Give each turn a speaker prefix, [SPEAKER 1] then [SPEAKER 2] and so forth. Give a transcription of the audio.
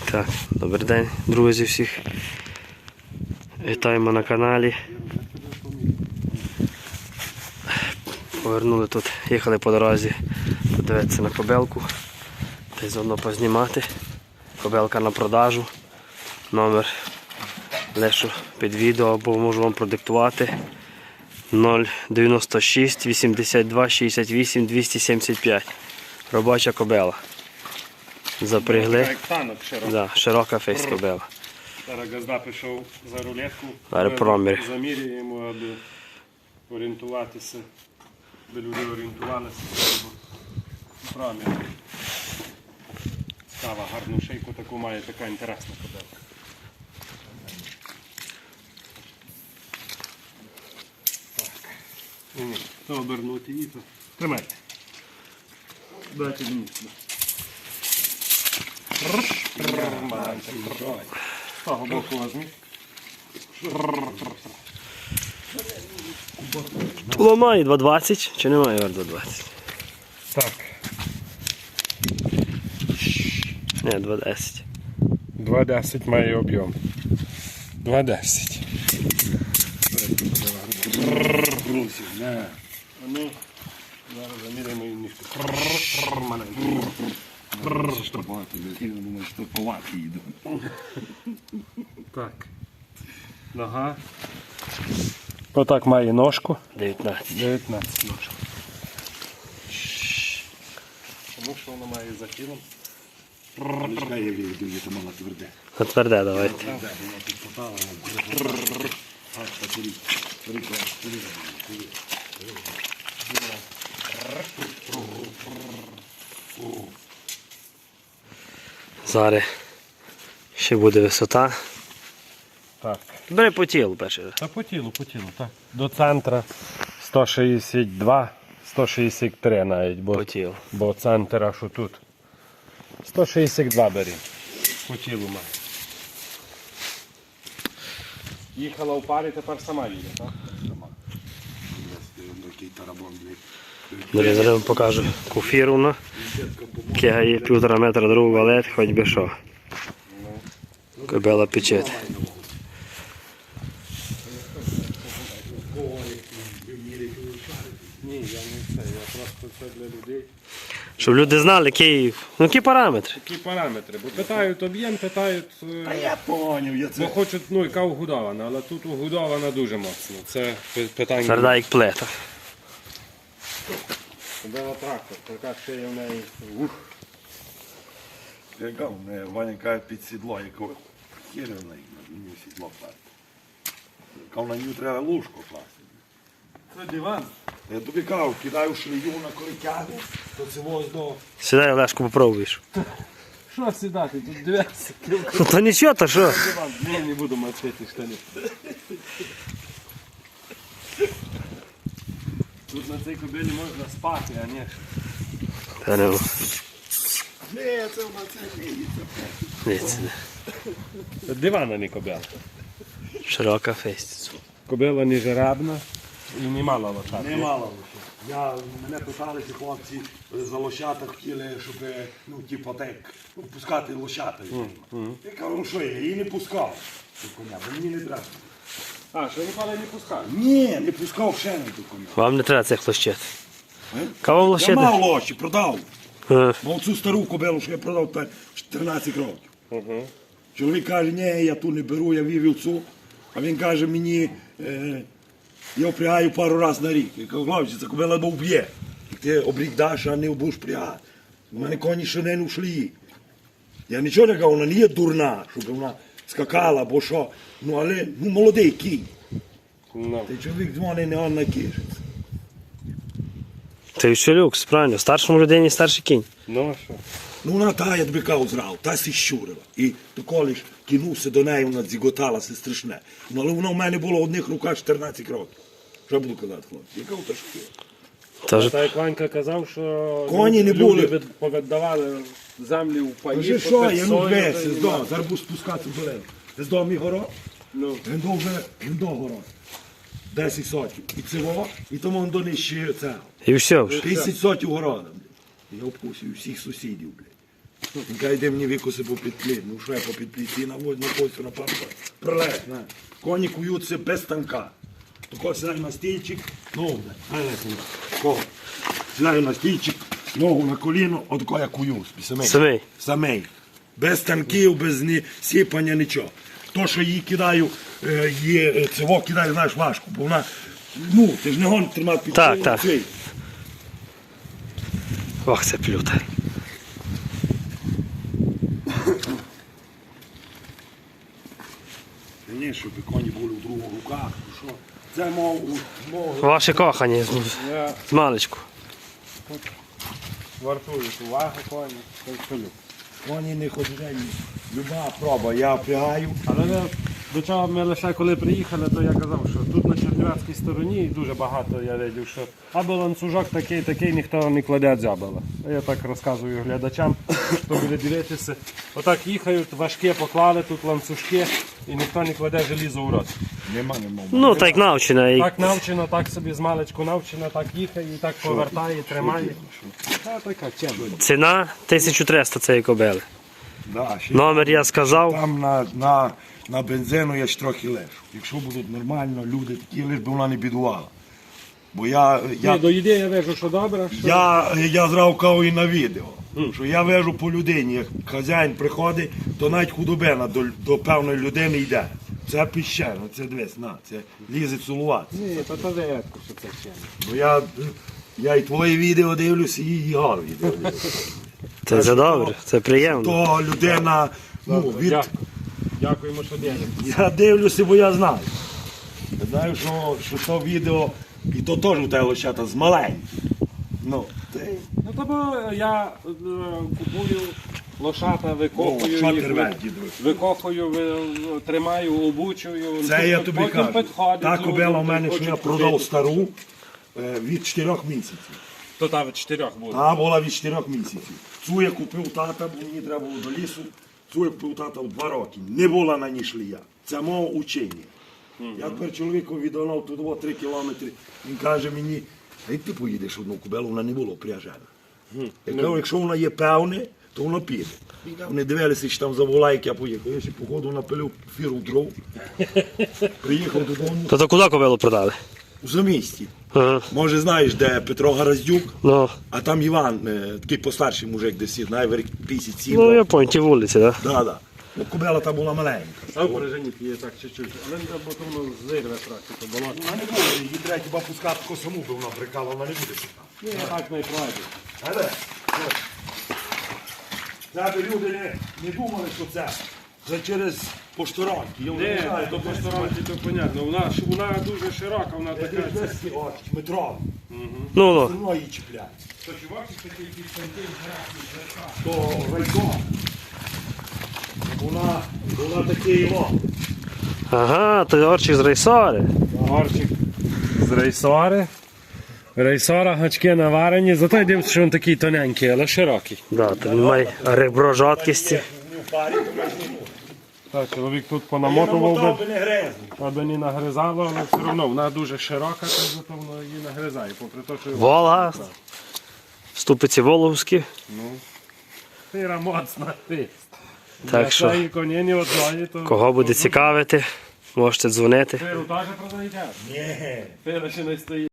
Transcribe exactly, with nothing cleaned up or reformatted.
[SPEAKER 1] Так, добрий день, друзі, всіх. Вітаємо на каналі. Повернули тут, їхали по дорозі подивитися на кобилку. Та й заодно познімати. Кобилка на продажу. Номер лишу під відео або можу вам продиктувати. нуль дев'яносто шість вісімдесят два шістдесят вісім двісті сімдесят п'ять. Робоча кобила. Запрягли.
[SPEAKER 2] Як танок широка.
[SPEAKER 1] Да, широка фейс кобила.
[SPEAKER 2] Зараз газда пішов за рулетку.
[SPEAKER 1] Зараз промір.
[SPEAKER 2] Замірюємо, аби орієнтуватися, аби люди орієнтувалися. Промір. Става гарну шийку таку має, така інтересна кобила. Так. Ні, то обернути і то. Тримайте. Дайте мені. З того боку возьміть.
[SPEAKER 1] Ломає два двадцять, чи немає два двадцять?
[SPEAKER 2] Так.
[SPEAKER 1] Ні, два десять.
[SPEAKER 2] два десять має об'єм. два десять. А ну, зараз заміряємо її ніжку. Так. Нога. Отак має ножку.
[SPEAKER 1] дев'ятнадцять.
[SPEAKER 2] дев'ятнадцять ножок. Тому що вона має за тілом.
[SPEAKER 1] Тверде давайте. Зараз ще буде висота.
[SPEAKER 2] Так.
[SPEAKER 1] Бери по тілу перший раз.
[SPEAKER 2] Та по тілу, по тілу, так. До центра сто шістдесят два, сто шістдесят три навіть, бо,
[SPEAKER 1] По тілу.
[SPEAKER 2] бо центр аж отут. сто шістдесят два бери. По тілу має. Їхала в парі, тепер сама їде, так? Сама.
[SPEAKER 1] Далі зараз вам покажу куфіруна. Кега є півтора метра другу валет, хоч би що. Кобила печет.
[SPEAKER 2] Ні, я не це, я просто це для людей.
[SPEAKER 1] Щоб люди знали, які, ну, які параметри.
[SPEAKER 2] Які параметри, бо питають об'єм, питають,
[SPEAKER 3] А я поняв, я
[SPEAKER 2] бо
[SPEAKER 3] це.
[SPEAKER 2] хочуть, ну, яка вгодована, але тут угодована дуже моцно. Це пи- питання.
[SPEAKER 1] Тверда як плета.
[SPEAKER 2] Кобила трактор, така ще є в неї. Ух.
[SPEAKER 3] Яка в мене Ваня каже під сідло, якого хіра в неї, мені сідло класти. Яка на нього треба ложку класти.
[SPEAKER 2] Це диван.
[SPEAKER 3] Я тобі кажу, кидаю шлею на коритягу, то це ось до...
[SPEAKER 1] Сідай, Олешку, попробуєш.
[SPEAKER 2] Що сідати? Тут дев'яносто кіло.
[SPEAKER 1] Ну то нічого, то що?
[SPEAKER 2] Диван. Ні, не буду мочити штани. Тут на цій кобилі можна спати, а не.
[SPEAKER 1] Та не,
[SPEAKER 3] Не, це в нас не виїться.
[SPEAKER 1] дивіться.
[SPEAKER 2] Дивана не кобила.
[SPEAKER 1] Широка фейс.
[SPEAKER 2] Кобила не жеребна і не мала лошадки.
[SPEAKER 3] Немало лише. Я, мене питалися хлопці, за лошата хотіли, щоб, ну, типу, так, ну, пускати лошата. Я кажу, ну що, я її не пускав. До коня, бо мені не треба.
[SPEAKER 2] А, що ніколи не пускали?
[SPEAKER 3] Ні, не пускав ще не до коня.
[SPEAKER 1] Вам не треба цих лощет.
[SPEAKER 3] Е?
[SPEAKER 1] Кого вам
[SPEAKER 3] Я
[SPEAKER 1] лощети?
[SPEAKER 3] мав лоші, продав.
[SPEAKER 1] Е,
[SPEAKER 3] Бо цю стару кобилу, що я продав та чотирнадцять років.
[SPEAKER 2] Угу.
[SPEAKER 3] Чоловік каже, ні, я ту не беру, я вивів цю. А він каже мені, е, я впрягаю пару разів на рік. Я кажу, хлопці, це кобила бо вб'є. Ти обрік даш, а не будеш впрягати. У мене коні ще не ушли. Я нічого не кажу, вона не є дурна, щоб вона скакала, бо що. Ну, але, ну, молодий кінь.
[SPEAKER 2] Ну.
[SPEAKER 3] Та чоловік дзвонить, не он накишеться.
[SPEAKER 1] Це ще люкс, правильно. Старшому людині старший кінь.
[SPEAKER 2] Ну, а що?
[SPEAKER 3] Ну, вона та, я тобі кажу, зрав, та сі щурила. І то коли ж кинувся до неї, вона дзіготалася страшне. Ну, але воно в мене було в одних руках чотирнадцять років. Що буду казати, хлопці? Я кажу, та що ти?
[SPEAKER 1] Тож,
[SPEAKER 2] Та як Ванька казав, що
[SPEAKER 3] Коні не
[SPEAKER 2] люди
[SPEAKER 3] були.
[SPEAKER 2] від- повіддавали землі в паї.
[SPEAKER 3] Кажи, що,
[SPEAKER 2] попід
[SPEAKER 3] я ну
[SPEAKER 2] сою,
[SPEAKER 3] весь,
[SPEAKER 2] та й
[SPEAKER 3] з дому,
[SPEAKER 2] нема.
[SPEAKER 3] зараз буду спускатися в долину. З дому мій город,
[SPEAKER 2] Ну,
[SPEAKER 3] він до вже, він до город. десять сотів. І цього, і тому він донищує цього.
[SPEAKER 1] і все вже.
[SPEAKER 3] тисяч сотів города. Я обкусив всіх сусідів, блядь. Він каже, йде мені викоси по підпліт. Ну що я по підпліт? І наводь на косю на пару. Прилет, на. Коні куються без станка. Тако сідаю на стільчик, ногу, дай, дай, дай, кого? Сідаю на стільчик, ногу на коліно, отако я кую, самий.
[SPEAKER 1] Самий.
[SPEAKER 3] Самий. Без станків, без ні, сіпання, нічого. То, що її кидаю, е, є, е, цього кидаю, знаєш, важко, бо вона, ну, ти ж не гон тримати під
[SPEAKER 1] Так,
[SPEAKER 3] цей,
[SPEAKER 1] так.
[SPEAKER 3] цей.
[SPEAKER 1] Ох, це плюта.
[SPEAKER 3] Ні, щоб коні були в других руках, то що? Це мов, мов,
[SPEAKER 1] Ваші кохані з,
[SPEAKER 2] Я
[SPEAKER 1] з маличку.
[SPEAKER 2] вартують увагу коні, то й солю.
[SPEAKER 3] коні не ходять, люба проба, я впрягаю.
[SPEAKER 2] Але ми, до чого ми лише коли приїхали, то я казав, що тут на чернівецькій стороні дуже багато я видів, що або ланцюжок такий, такий, ніхто не кладе дзябела. Я так розказую глядачам, хто буде дивитися. Отак їхають, важке поклали тут ланцюжки і ніхто не кладе желізо в рот.
[SPEAKER 3] Нема, нема.
[SPEAKER 1] Ну, так навчена. І...
[SPEAKER 2] Так навчено, так собі з маличку навчено, так їхає, і так повертає, тримає. Та така чемна.
[SPEAKER 1] Ціна тисяча триста цієї кобили.
[SPEAKER 3] Да, ще
[SPEAKER 1] Номер я сказав.
[SPEAKER 3] там на, на, на бензину я ж трохи лежу. Якщо будуть нормально люди такі, лиш би вона не бідувала. Бо я, я,
[SPEAKER 2] Ні, до ідеї я вижу, що добре, що...
[SPEAKER 3] я, я зрав каву і на відео. Що я вежу по людині, як хазяїн приходить, то навіть худобина до, до певної людини йде. Це піщено, це дивись, на, це лізе цілувати.
[SPEAKER 2] Ні, то то рідко, що це чемно.
[SPEAKER 3] Бо я, я і твої відео дивлюся, і його відео дивлюся.
[SPEAKER 1] Це, це добре, це приємно.
[SPEAKER 3] То людина, ну, від,
[SPEAKER 2] Дякую. Дякуємо, що дивимося.
[SPEAKER 3] я дивлюся, бо я знаю. Я знаю, що, що то відео, і то теж у тебе лошата з маленьких. Ну, ти,
[SPEAKER 2] Ну тому я е, купую лошата, викопую
[SPEAKER 3] О, що
[SPEAKER 2] їх,
[SPEAKER 3] ти рвеш, дідусь?
[SPEAKER 2] викопую, ви- тобою, обучую.
[SPEAKER 3] це я тобі
[SPEAKER 2] потім
[SPEAKER 3] кажу.
[SPEAKER 2] підходять
[SPEAKER 3] Та
[SPEAKER 2] люди,
[SPEAKER 3] кобила в мене, що
[SPEAKER 2] хочуть
[SPEAKER 3] я продав
[SPEAKER 2] купити.
[SPEAKER 3] стару е, від чотирьох місяців.
[SPEAKER 2] То там чотирьох буде.
[SPEAKER 3] Та була від чотирьох місяців. Цю я купив тата, бо мені треба було до лісу. Цю я купив тата в два роки. Не була на ній шлія. Це мого учення. Я тепер чоловіку віддав тут три кілометри. Він каже мені, а як ти поїдеш одну кобилу, вона не була пряжена. Я кажу, якщо вона є певне, то воно піде. Вони дивилися, що там завола, як я поїхав. Я ще походу напилив фіру дров. Приїхав додому
[SPEAKER 1] То, то куди кобилу продали?
[SPEAKER 3] у замісті.
[SPEAKER 1] Ага.
[SPEAKER 3] Може знаєш, де Петро Гараздюк,
[SPEAKER 1] Ну,
[SPEAKER 3] а там Іван, е, такий постарший мужик, десь знає, в п'ятдесят сім.
[SPEAKER 1] ну я понял, ті вулиці, так? Да?
[SPEAKER 3] Да, да. Ну, кобила та була маленька.
[SPEAKER 2] А в бережині є так чуть-чуть. Але бо то воно зирве трохи, то болото.
[SPEAKER 3] Вона не буде, її треба хіба пускати таку саму, бо вона брикала, вона не буде пускати.
[SPEAKER 2] Ні, так не пройде.
[SPEAKER 3] Але, це би люди не, не думали, що це. Це через поштаронки. Я вже не
[SPEAKER 2] Ні,
[SPEAKER 3] знаю,
[SPEAKER 2] то
[SPEAKER 3] де
[SPEAKER 2] по стороні, то понятно. Вона, ж- вона дуже широка, вона
[SPEAKER 3] Це
[SPEAKER 2] така.
[SPEAKER 3] десь десь, от, метро.
[SPEAKER 1] Ну, ну.
[SPEAKER 3] Все одно її чіпляє.
[SPEAKER 2] То чувак, такий якийсь тонкий,
[SPEAKER 3] То райком. Вона, вона такий його.
[SPEAKER 1] Ага, то орчик з рейсори.
[SPEAKER 2] Орчик з рейсори. Рейсора, гачки наварені, зато я дивлюся, що він такий тоненький, але широкий.
[SPEAKER 1] Да, то він має ребро жорсткості.
[SPEAKER 3] Не в парі, то ми ж не можемо.
[SPEAKER 2] Так, чоловік тут
[SPEAKER 3] Я
[SPEAKER 2] понамотував
[SPEAKER 3] намотав
[SPEAKER 2] би,
[SPEAKER 3] би не грезний.
[SPEAKER 2] аби не нагризало, але все одно вона дуже широка, то зато воно її нагризає. Попри те, що
[SPEAKER 1] Волга. Ступиці Волговські.
[SPEAKER 2] Тира моцна ти.
[SPEAKER 1] Так що,
[SPEAKER 2] І коні не одної, то...
[SPEAKER 1] кого буде цікавити, можете дзвонити.
[SPEAKER 2] Тиру теж продаєте?
[SPEAKER 3] Ні.
[SPEAKER 2] Тира ще не стоїть.